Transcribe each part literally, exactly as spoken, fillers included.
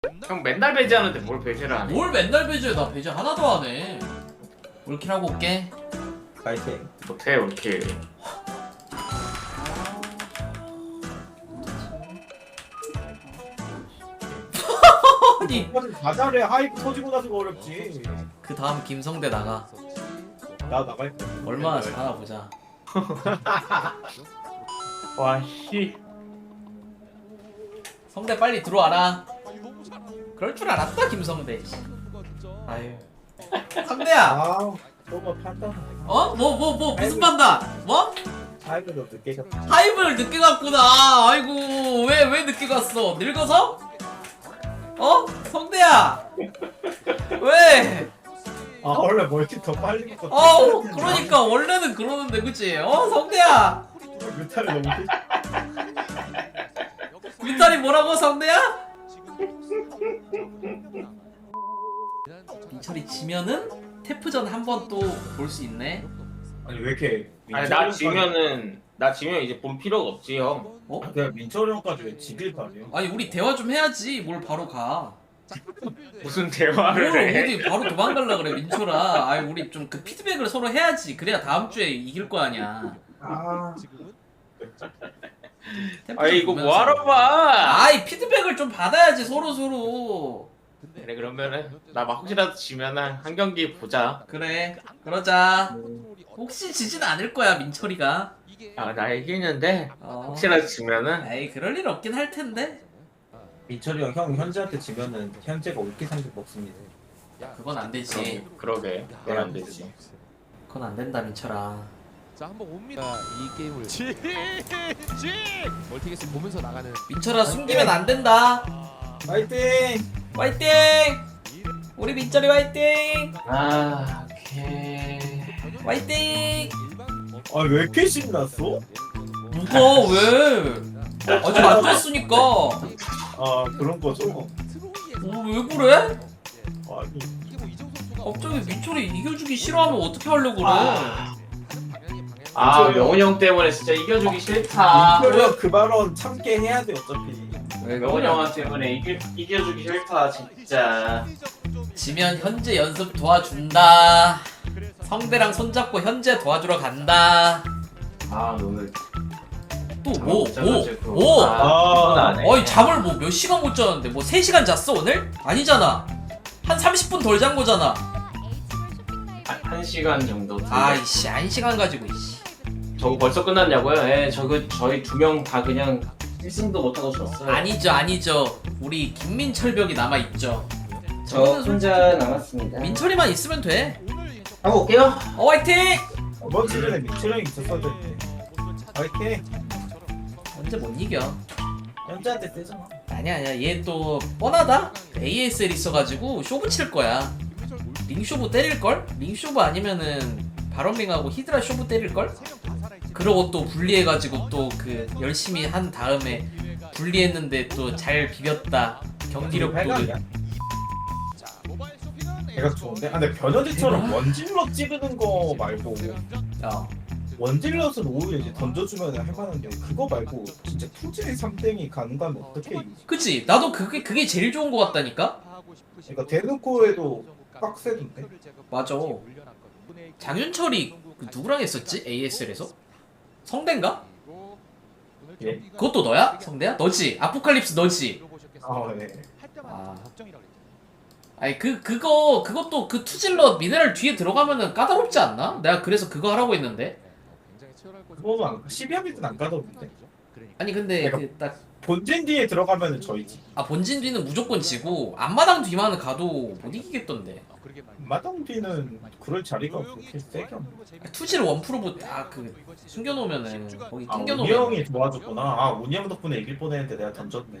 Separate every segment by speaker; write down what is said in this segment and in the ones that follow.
Speaker 1: 형 맨날 배제하는데 뭘 배제를 안 해?
Speaker 2: 뭘 맨날 배제해? 나 배제 하나도 안 해. 올킬 하고 올게.
Speaker 3: 파이팅.
Speaker 1: 못해 이렇게.
Speaker 2: 아니
Speaker 3: 다 잘해. 하이프 터지고 나서 어렵지.
Speaker 2: 그 다음 김성대 나가.
Speaker 3: 나 나갈 거.
Speaker 2: 얼마나 잘하나 보자.
Speaker 1: 와 씨.
Speaker 2: 성대 빨리 들어와라. 그럴 줄 알았다 김성대. 아유. 성대야.
Speaker 3: 아, 너무 판단.
Speaker 2: 어? 뭐 뭐 뭐 무슨 판단? 뭐?
Speaker 3: 하이브도 늦게 갔다.
Speaker 2: 하이브를 늦게 갔구나. 아이고 왜 왜 늦게 갔어? 늙어서? 어? 성대야. 왜?
Speaker 3: 아 원래 멀티 더 빨리 먹고.
Speaker 2: 어 그러니까 원래는 그러는데 그치? 어 성대야.
Speaker 3: 뮤탈이 너무.
Speaker 2: 윗다리 뭐라고 성대야? 민철이 지면은 태프전 한 번 또 볼 수 있네.
Speaker 3: 아니 왜 이렇게?
Speaker 1: 아니 나 지면은 나 지면 이제 본 필요가 없지 형.
Speaker 2: 어?
Speaker 3: 내가 민철이 형까지 왜 지길 바래요?
Speaker 2: 아니 우리 대화 좀 해야지. 뭘 바로 가.
Speaker 1: 무슨
Speaker 2: 뭘
Speaker 1: 대화를 해?
Speaker 2: 어디 바로 도망갈라 그래 민철아. 아니 우리 좀 그 피드백을 서로 해야지. 그래야 다음 주에 이길 거 아니야.
Speaker 3: 아.
Speaker 2: 템포
Speaker 1: 아이
Speaker 2: 좀
Speaker 1: 이거
Speaker 2: 보면서.
Speaker 1: 뭐하러 봐?
Speaker 2: 아이 피드백을 좀 받아야지 서로 서로.
Speaker 1: 그래 그러면은 나 막 혹시라도 지면은 한 경기 보자.
Speaker 2: 그래 그러자. 혹시 지진 않을 거야 민철이가.
Speaker 1: 아 나 이기는데
Speaker 2: 어.
Speaker 1: 혹시라도 지면은
Speaker 2: 에이 그럴 일 없긴 할 텐데.
Speaker 3: 민철이 형, 형 현재한테 지면은 현재가 올기 상급 먹습니다.
Speaker 2: 그건 안 되지.
Speaker 1: 그러게 그건 안 되지.
Speaker 2: 그건 안 된다 민철아.
Speaker 4: 자 한번 옵니다. 이 게임을 지! 지! 멀티게스 보면서 나가는
Speaker 2: 민철아 숨기면 안 된다.
Speaker 3: 파이팅!
Speaker 2: 화이팅! 우리 민철이 화이팅!
Speaker 1: 아 오케이.
Speaker 2: 화이팅!
Speaker 3: 아 왜 이렇게 신났어?
Speaker 2: 누가 왜? 아직 안 됐으니까.
Speaker 3: 아 그런 거죠.
Speaker 2: 어, 왜 그래?
Speaker 3: 아니
Speaker 2: 갑자기 민철이 이겨주기 싫어하면 어떻게 하려고 그래?
Speaker 1: 아. 아 명훈 형 때문에 진짜 이겨주기 싫다.
Speaker 3: 민철이 형 그 발언 참게 해야 돼 어차피.
Speaker 2: 왜
Speaker 1: 명훈 형아 때문에 이겨 이겨주기 싫다 진짜.
Speaker 2: 지면 현재 연습 도와준다. 성대랑 손잡고 현재 도와주러 간다.
Speaker 1: 아 오늘
Speaker 2: 또 뭐? 뭐?
Speaker 1: 뭐?
Speaker 2: 뭐?
Speaker 1: 아, 안 해.
Speaker 2: 어이 잠을 뭐 몇 시간 못 잤는데 뭐 세 시간 잤어 오늘? 아니잖아. 한 삼십 분 덜 잔 거잖아.
Speaker 1: 한, 한 시간 정도.
Speaker 2: 아이씨 한 시간 가지고 이씨.
Speaker 1: 저거 벌써 끝났냐고요? 예, 저거 저희 두 명 다 그냥 일 승도 못하고 졌어요.
Speaker 2: 아니죠 아니죠. 우리 김민철벽이 남아있죠.
Speaker 1: 저 혼자 남았습니다.
Speaker 2: 민철이만 있으면 돼.
Speaker 1: 하고 올게요.
Speaker 2: 어 화이팅!
Speaker 3: 이번 시즌에 민철이 형이 있었어야 되는데. 파이팅!
Speaker 2: 언제 못 이겨.
Speaker 3: 현재한테 세잖아.
Speaker 2: 아니야 아니야 얘 또 뻔하다. 에이에스엘 있어가지고 쇼부 칠 거야. 링 쇼부 때릴걸? 링 쇼부 아니면은 바론링하고 히드라 쇼부 때릴걸? 그러고 또 분리해가지고 또 그 열심히 한 다음에 분리했는데 또 잘 비볐다. 경기력도
Speaker 3: 팔각이야? 걔가 좋은데? 아 근데 변현재처럼
Speaker 2: 대박.
Speaker 3: 원질럿 찌르는 거 말고
Speaker 2: 어.
Speaker 3: 원질럿은 오히려 이제 던져주면 할만한데 그거 말고 진짜 투질이 삼땡이 가는 거면 어떻게 이기지?
Speaker 2: 그치? 나도 그게 그게 제일 좋은 거 같다니까?
Speaker 3: 그러니까 대놓고 해도 빡세던데?
Speaker 2: 맞아. 장윤철이 그 누구랑 했었지? 에이에스엘에서? 성대인가?
Speaker 3: 예?
Speaker 2: 그것도 너야? 성대야? 너지? 아포칼립스 너지?
Speaker 3: 아 네.
Speaker 2: 아. 아니 그 그거 그것도 그 투질러 미네랄 뒤에 들어가면은 까다롭지 않나? 내가 그래서 그거 하라고 했는데.
Speaker 3: 그거는 안 십이합이든 안 가던데?
Speaker 2: 아니 근데
Speaker 3: 내가-
Speaker 2: 그 딱
Speaker 3: 본진 뒤에 들어가면은 저희지.
Speaker 2: 아 본진 뒤는 무조건 지고 앞마당 뒤만은 가도 못 이기겠던데.
Speaker 3: 마당 뒤는 그럴 자리가 그렇게 세게 없네.
Speaker 2: 아, 투질 원프로브 딱그 숨겨놓으면은 거기
Speaker 3: 아 운이
Speaker 2: 튕겨놓으면.
Speaker 3: 형이 도와줬구나. 아 운이 형 덕분에 이길 뻔했는데 내가 던졌네.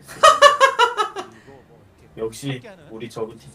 Speaker 3: 역시 우리 저그 팀.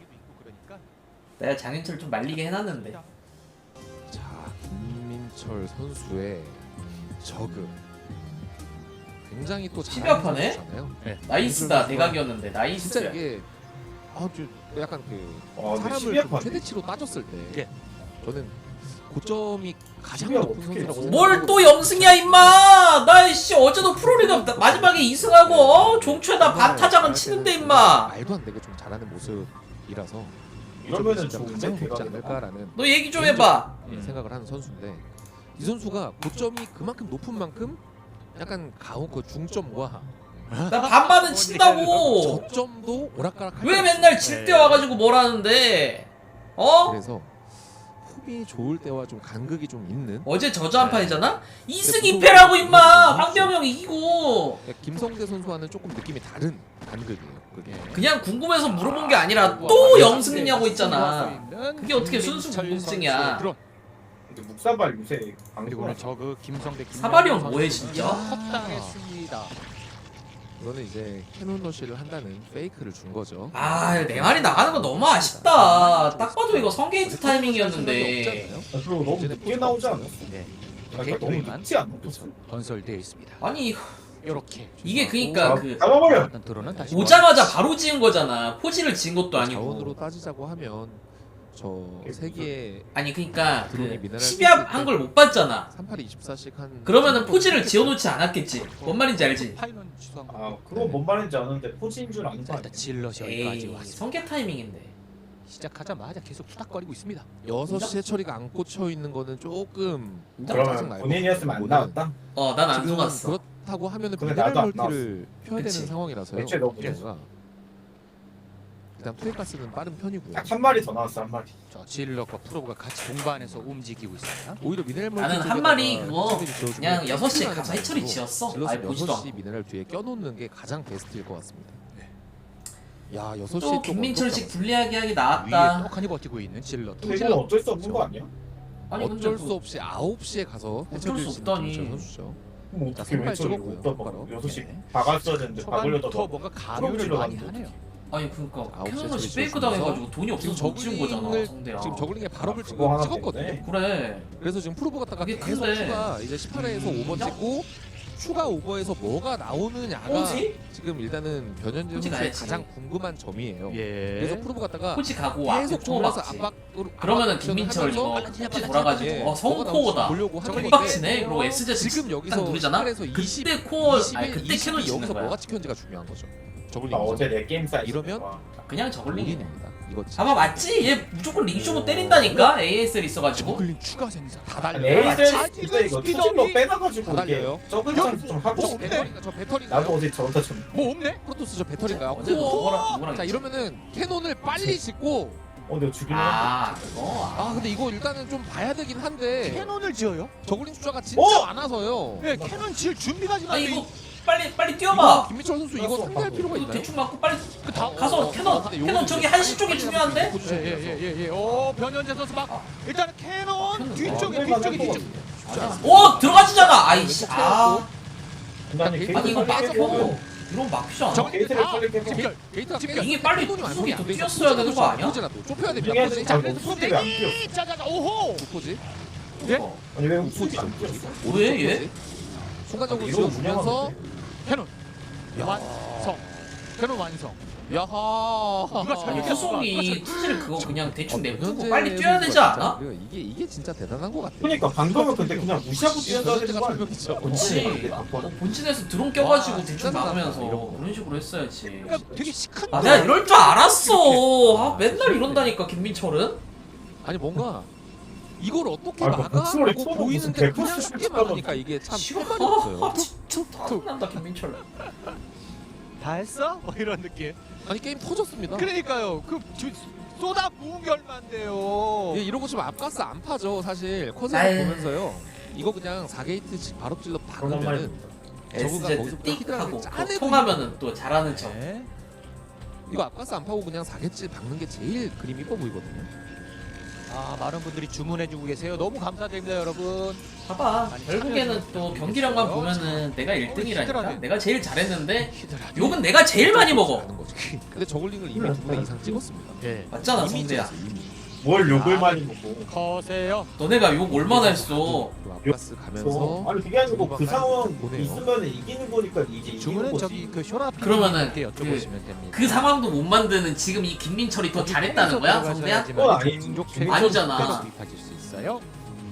Speaker 2: 내가 장윤철 좀 말리게 해놨는데.
Speaker 4: 자 김민철 선수의 저그 굉장히 또
Speaker 2: 십여 판에?
Speaker 4: 네.
Speaker 2: 나이스다 대각이었는데 나이스.
Speaker 4: 진짜 이게 아주 약간 그
Speaker 3: 어, 근데
Speaker 4: 사람을
Speaker 3: 십이합
Speaker 4: 좀
Speaker 3: 판에?
Speaker 4: 최대치로 따졌을 때 저는 고점이 가장
Speaker 3: 집이야,
Speaker 4: 높은
Speaker 3: 어떡해.
Speaker 4: 선수라고
Speaker 2: 뭘 또 영승이야 임마. 나 씨 어제도 프로리그 나- 마지막에 이승하고 어? 종초에다 반타작은 치는데 임마.
Speaker 4: 말도 안 되게 좀 잘하는 모습이라서
Speaker 3: 이러면은
Speaker 4: 진짜
Speaker 3: 좋은데,
Speaker 4: 가장 높지
Speaker 3: 대박이다.
Speaker 4: 않을까라는
Speaker 2: 너 얘기 좀 해봐.
Speaker 4: 음. 생각을 하는 선수인데 이 선수가 고점이 그만큼 높은 만큼 약간 가운 그 중점과
Speaker 2: 나 반반은 친다고.
Speaker 4: 저점도 오락가락
Speaker 2: 왜 맨날 질 때 와가지고 뭐라는데? 어?
Speaker 4: 그래서 폼이 좋을 때와 좀 간극이 좀 있는
Speaker 2: 어제 저저 한 판이잖아? 이승 이 패라고 임마. 황병영 이기고.
Speaker 4: 그러니까 김성대 선수와는 조금 느낌이 다른 간극이에요. 그게
Speaker 2: 그냥 궁금해서 물어본 게 아니라 또 영승이냐고 있잖아. 그게 어떻게 순수 궁금증이야.
Speaker 3: 근데 묵사발 요새
Speaker 5: 그리고 오늘
Speaker 3: 방송을
Speaker 5: 저그 김성대
Speaker 2: 사발이 형 뭐해 진짜?
Speaker 5: 헛당했습니다.
Speaker 4: 이거는 이제 캐논 러시를 한다는 페이크를 준 거죠.
Speaker 2: 아, 내 말이 나가는 거 너무 아쉽다. 딱 봐도 이거 성게이트 타이밍이었는데.
Speaker 3: 아, 그리고 너무 늦게 나오지 않았어?
Speaker 5: 네.
Speaker 3: 아, 그러니까 너무 늦지 않았어?
Speaker 5: 건설되어 있습니다.
Speaker 2: 아니
Speaker 5: 이렇게
Speaker 2: 이게 그니까 그
Speaker 3: 잡아버려!
Speaker 5: 어떤 드론은 다시
Speaker 2: 오자마자 바로 지은 거잖아. 포지를 지은 것도
Speaker 4: 자원으로
Speaker 2: 아니고.
Speaker 4: 따지자고 하면 저 세기에
Speaker 2: 아니 그니까
Speaker 4: 드론이
Speaker 2: 그
Speaker 4: 미네랄
Speaker 2: 시비압 한 걸 못 봤잖아.
Speaker 4: 삼팔이 이십사씩 한
Speaker 2: 그러면은 포지를 지어놓지 않았겠지. 뭔 말인지 알지?
Speaker 5: 파이넌 주상.
Speaker 3: 아, 그건 뭔 말인지 아는데 포지인 줄 아는 거
Speaker 5: 자,
Speaker 3: 아니야?
Speaker 5: 일단 질럿이 여기까지
Speaker 2: 에이
Speaker 5: 왔습니다.
Speaker 2: 성게 타이밍인데.
Speaker 5: 시작하자마자 계속 투닥거리고 있습니다.
Speaker 4: 여섯 시에 처리가 안 꽂혀 있는 거는 조금
Speaker 3: 그러면
Speaker 4: 짜증나요.
Speaker 3: 본인이었으면 안
Speaker 4: 이거는
Speaker 3: 나왔다?
Speaker 2: 어 난 안
Speaker 4: 지금
Speaker 2: 속았어.
Speaker 4: 그렇다고 하면은
Speaker 3: 근데
Speaker 4: 미네랄
Speaker 3: 나도 안
Speaker 4: 멀티를 펴야
Speaker 2: 그치.
Speaker 4: 되는 상황이라서요.
Speaker 3: 애초에 너무
Speaker 4: 뭔가 일단 투에가스는 빠른 편이고요.
Speaker 3: 딱 한 마리 더 나왔어, 한 마리.
Speaker 5: 저 질럿과 프로브가 같이 동반해서 움직이고 있습니다.
Speaker 4: 오히려 미네랄 멀티
Speaker 2: 나는 한
Speaker 4: 쪽에다가
Speaker 2: 마리 그거
Speaker 4: 해처리를 지어주면
Speaker 2: 그냥 여섯 시에
Speaker 4: 튼튼하게
Speaker 2: 가서 해처리
Speaker 4: 만들고
Speaker 2: 지었어.
Speaker 4: 질럿은
Speaker 2: 아예 보지도
Speaker 4: 여섯 시
Speaker 2: 않고.
Speaker 4: 미네랄 뒤에 껴놓는 게 가장 베스트일 것 같습니다.
Speaker 5: 네.
Speaker 4: 야 여섯 시
Speaker 2: 또 김민철식 불리하게 하기
Speaker 5: 위에
Speaker 2: 나왔다.
Speaker 5: 떡하니 버티고 있는 질럿.
Speaker 3: 근데 이건 어쩔 수 없는 거 아니야?
Speaker 2: 아니 근데
Speaker 4: 어쩔
Speaker 2: 그-
Speaker 4: 수 없이 아홉 시에 가서 해처리를
Speaker 2: 수
Speaker 4: 지는
Speaker 2: 없다니.
Speaker 4: 김민철 선수죠.
Speaker 3: 뭐
Speaker 4: 자,
Speaker 3: 어떻게
Speaker 4: 선발
Speaker 3: 왼쪽으로
Speaker 4: 찍었고요,
Speaker 3: 못 떠봐.
Speaker 4: 똑바로.
Speaker 3: 여섯 시
Speaker 5: 네.
Speaker 3: 박았어야 되는데 박으려다
Speaker 5: 초반부터
Speaker 3: 봐.
Speaker 5: 뭔가 가류를 많이 하네요.
Speaker 2: 아니 그니까
Speaker 4: 아홉 시에
Speaker 2: 캐논러시
Speaker 4: 처리
Speaker 2: 페이크
Speaker 4: 지었으면서
Speaker 2: 당해가지고 돈이
Speaker 4: 지금
Speaker 2: 없어서 못 지은 거잖아
Speaker 4: 저글링을
Speaker 2: 성대야.
Speaker 4: 지금 저글링에 발업을
Speaker 3: 아,
Speaker 4: 지금
Speaker 3: 그거 하나
Speaker 4: 찍었거든요.
Speaker 3: 때문에.
Speaker 2: 그래.
Speaker 4: 그래서 지금 프로브 갔다가
Speaker 2: 그게
Speaker 4: 계속
Speaker 2: 큰데.
Speaker 4: 추가 이제 십팔 회에서 오버 찍고 추가 오버에서 뭐가 나오느냐가
Speaker 2: 포지?
Speaker 4: 지금 일단은 변현재
Speaker 2: 포지
Speaker 4: 선수의
Speaker 2: 가야지.
Speaker 4: 가장 궁금한 점이에요.
Speaker 5: 예.
Speaker 4: 그래서 프로브 갔다가
Speaker 2: 포지 가고 앞에
Speaker 4: 계속
Speaker 2: 코어
Speaker 4: 돌려서
Speaker 2: 막지.
Speaker 4: 압박으로
Speaker 2: 그러면은
Speaker 4: 압박
Speaker 2: 김민철
Speaker 4: 하면서
Speaker 2: 이거
Speaker 5: 아,
Speaker 2: 포지 돌아가지고
Speaker 4: 예,
Speaker 2: 어
Speaker 4: 뭐가
Speaker 2: 성코어다.
Speaker 4: 나올지 보려고 하는 건데
Speaker 2: 빡치네. 그리고 에스제
Speaker 4: 지금
Speaker 2: 딱
Speaker 4: 여기서
Speaker 2: 누르잖아.
Speaker 4: 십팔에서 이십,
Speaker 2: 그때 코어 아니
Speaker 4: 이십일,
Speaker 2: 그때 캐논
Speaker 4: 이십이
Speaker 2: 치는
Speaker 4: 여기서
Speaker 2: 거야.
Speaker 4: 뭐가 찍혔는지가 중요한 거죠. 저글링
Speaker 3: 나 어제 내 게임 사이즈
Speaker 4: 이러면
Speaker 2: 그냥 저글링이네.
Speaker 4: 올인입니다. 이거
Speaker 2: 아마 맞지? 얘 무조건 링쇼부 때린다니까 에이에스엘 있어가지고.
Speaker 5: 저글링 추가 생산 다
Speaker 3: 아니
Speaker 5: 달려요.
Speaker 3: 에이셀 진짜 이거 투질로 빼놔가지고
Speaker 4: 다
Speaker 3: 이게
Speaker 4: 달려요.
Speaker 3: 적은 장좀 하고
Speaker 4: 저
Speaker 3: 싶네.
Speaker 4: 배터리가 저 배터리인가요?
Speaker 3: 나도 어제 저런다 좀
Speaker 5: 뭐 없네?
Speaker 4: 프로토스 저 배터리인가요?
Speaker 2: 어제
Speaker 4: 우와!
Speaker 2: 누구랑 누구랑
Speaker 4: 자
Speaker 2: 했지?
Speaker 4: 이러면은 캐논을 빨리 짓고
Speaker 3: 어 내가 죽이려 했는데
Speaker 2: 아 그거.
Speaker 4: 아 근데 이거 일단은 좀 봐야 되긴 한데
Speaker 5: 캐논을 지어요?
Speaker 4: 저글링 숫자가 진짜
Speaker 3: 어?
Speaker 4: 많아서요.
Speaker 5: 네, 캐논 지을 준비가 지금 안
Speaker 2: 아니
Speaker 5: 돼.
Speaker 2: 이거 빨리 빨리
Speaker 4: 이거
Speaker 2: 뛰어봐.
Speaker 4: 김민철 선수 이거
Speaker 3: 알았어,
Speaker 4: 상대할
Speaker 3: 바로.
Speaker 4: 필요가
Speaker 2: 이거
Speaker 4: 있나요?
Speaker 2: 대충 맞고 빨리
Speaker 5: 그 다음
Speaker 2: 가서
Speaker 4: 어,
Speaker 2: 캐논
Speaker 4: 근데
Speaker 2: 캐논
Speaker 4: 요거는
Speaker 2: 저기
Speaker 4: 이제
Speaker 2: 한시 쪽이
Speaker 4: 빨리
Speaker 2: 중요한데?
Speaker 4: 빨리 포지션이
Speaker 5: 예,
Speaker 4: 돼서.
Speaker 5: 예, 예, 예. 오, 변현재 선수 막
Speaker 2: 아.
Speaker 5: 일단은 캐논
Speaker 2: 캐논
Speaker 5: 뒤쪽에
Speaker 3: 어,
Speaker 5: 뒤쪽에
Speaker 3: 해봐,
Speaker 5: 뒤쪽.
Speaker 3: 해봐.
Speaker 2: 오 들어가지잖아. 아이씨. 아
Speaker 3: 아니
Speaker 4: 아니,
Speaker 2: 아니 이거
Speaker 3: 게이트를 빨리
Speaker 2: 빠졌고
Speaker 3: 깨고
Speaker 2: 이런 막히지 않아?
Speaker 5: 저거-
Speaker 3: 게이트를
Speaker 5: 아,
Speaker 3: 빨리 깨고
Speaker 5: 집결.
Speaker 4: 게이트가
Speaker 5: 집결.
Speaker 2: 이게 빨리
Speaker 4: 캐논이
Speaker 2: 구속이
Speaker 4: 완성이
Speaker 2: 더
Speaker 4: 안 돼 있어.
Speaker 2: 뛰었어야 되는 거 아니야?
Speaker 4: 포지라도 좁혀야 됩니다.
Speaker 3: 중요한
Speaker 4: 포지.
Speaker 3: 자
Speaker 4: 그래서
Speaker 3: 우수들이 안 뛰었어
Speaker 5: 짜자자 오호.
Speaker 4: 포지.
Speaker 5: 예?
Speaker 2: 어.
Speaker 3: 아니 왜
Speaker 4: 포지.
Speaker 3: 우수들이 안 뛰었어
Speaker 2: 왜 얘?
Speaker 4: 순간적으로
Speaker 3: 이러고
Speaker 4: 지어주면서
Speaker 5: 캐논
Speaker 4: 야.
Speaker 5: 완성. 캐논 완성.
Speaker 4: 야하.
Speaker 5: 누가
Speaker 2: 아니
Speaker 5: 잘
Speaker 2: 후송이 투지를 그거 그냥 대충
Speaker 4: 어,
Speaker 2: 내두고
Speaker 4: 변현재
Speaker 2: 빨리 뛰어야 되지
Speaker 4: 선수가
Speaker 2: 않아?
Speaker 4: 진짜 이게 이게 진짜 대단한 것 같아.
Speaker 3: 그러니까 방금은 근데 그냥 무시하고 뛰어야 되는 거 아니야?
Speaker 4: 그렇죠.
Speaker 2: 그렇지.
Speaker 3: 어,
Speaker 2: 어, 본진에서 드론 껴가지고
Speaker 4: 와,
Speaker 2: 대충
Speaker 4: 진짜
Speaker 2: 막으면서
Speaker 4: 대단하다, 이런 거.
Speaker 2: 그런 식으로 했어야지.
Speaker 5: 그러니까 되게 시큰.
Speaker 2: 아 내가 이럴 줄 알았어. 아 맨날 이런다니까 김민철은.
Speaker 4: 아니 뭔가 이걸 어떻게
Speaker 3: 아, 그
Speaker 4: 막아?
Speaker 3: 목소리
Speaker 4: 라고
Speaker 3: 톤은
Speaker 4: 보이는데
Speaker 3: 무슨
Speaker 4: 그냥
Speaker 3: 백퍼스
Speaker 4: 쉽게
Speaker 3: 슛하고
Speaker 4: 막으니까 이게 참
Speaker 2: 싫어.
Speaker 4: 할 말이 없어요.
Speaker 2: 아 진짜 짜증난다 김민철.
Speaker 5: 다 했어? 뭐 이런 느낌.
Speaker 4: 아니 게임 터졌습니다.
Speaker 5: 그러니까요. 그 저- 쏟아 부은 결만데요.
Speaker 4: 예, 이러고 지금 앞가스 안 파죠 사실. 컷을
Speaker 2: 아유.
Speaker 4: 보면서요. 이거 그냥 사 게이트씩 바로 찔러
Speaker 3: 그런 말이
Speaker 4: 박으면은 저거가
Speaker 2: 에스제트
Speaker 4: 거기서부터
Speaker 2: 띡
Speaker 4: 히드라를
Speaker 2: 하고
Speaker 4: 짜내고
Speaker 2: 통하면은 또 잘하는 척.
Speaker 5: 네.
Speaker 4: 이거 앞가스 안 파고 그냥 사 게이트 박는 게 제일 그림 이뻐 보이거든요.
Speaker 5: 아 많은 분들이 주문해주고 계세요. 너무 감사드립니다, 여러분.
Speaker 2: 봐봐.
Speaker 5: 아니,
Speaker 2: 결국에는
Speaker 5: 참여해주고
Speaker 2: 또
Speaker 5: 계세요.
Speaker 2: 경기력만 보면은 내가 일 등이라니까.
Speaker 5: 히드라네.
Speaker 2: 내가 제일 잘했는데
Speaker 5: 히드라.
Speaker 2: 욕은 내가 제일 많이 먹어.
Speaker 4: 하는 거죠. 근데 저글링을 이미 두 분 이상 찍었습니다.
Speaker 5: 예.
Speaker 2: 맞잖아
Speaker 4: 이미
Speaker 2: 성대야.
Speaker 4: 찍었어요, 이미.
Speaker 3: 뭘 욕을
Speaker 5: 아,
Speaker 3: 많이 먹고
Speaker 5: 커세요.
Speaker 2: 너네가 욕 얼마나 했어.
Speaker 4: 그리고 앞가스 가면서
Speaker 3: 아니 그게 아니고 그 상황
Speaker 4: 보내요.
Speaker 3: 있으면 이기는 거니까 이제 이기는
Speaker 5: 주문은
Speaker 3: 거지
Speaker 5: 저기 그 쇼라
Speaker 2: 그러면은
Speaker 5: 게 여쭤보시면 됩니다.
Speaker 2: 그 상황도 못 만드는 지금 이 김민철이 더 잘했다는 거야 성대야?
Speaker 3: 그건 아니지.
Speaker 5: 종족
Speaker 2: 아니잖아.
Speaker 5: 구입하실 수 있어요.